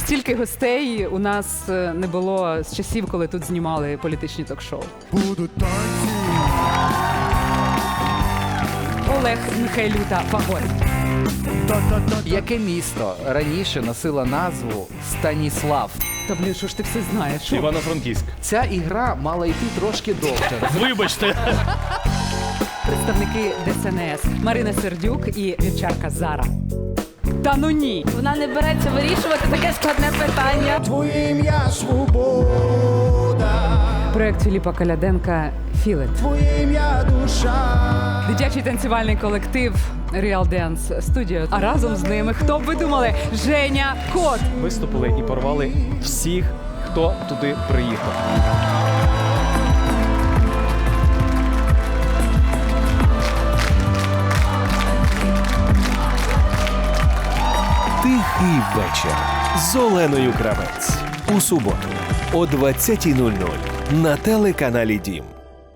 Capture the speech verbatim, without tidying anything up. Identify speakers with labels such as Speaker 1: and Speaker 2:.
Speaker 1: Стільки гостей у нас е, не було з часів, коли тут знімали політичні ток-шоу.
Speaker 2: Будуть танці.
Speaker 1: Олег Михайлюта Фагор.
Speaker 2: Та-та-та.
Speaker 3: Яке місто раніше носило назву Станіслав?
Speaker 1: Та блін, що ж ти все знаєш? Що?
Speaker 4: Івано-Франківськ.
Speaker 3: Ця ігра мала йти трошки довше.
Speaker 4: Вибачте.
Speaker 1: Представники ДСНС Марина Сердюк і вівчарка Зара. Та ну ні!
Speaker 5: Вона не береться вирішувати таке складне питання.
Speaker 2: Твоє ім'я свобода.
Speaker 1: Проект Філіпа Коляденка «Філет».
Speaker 2: Твоє ім'я душа.
Speaker 1: Дитячий танцювальний колектив Real Dance Studio. А разом з ними, хто б ви думали, Женя Кот.
Speaker 4: Виступили і порвали всіх, хто туди приїхав.
Speaker 6: Тихий вечір з Оленою Кравець. У суботу о двадцятій нуль нуль на телеканалі Дім.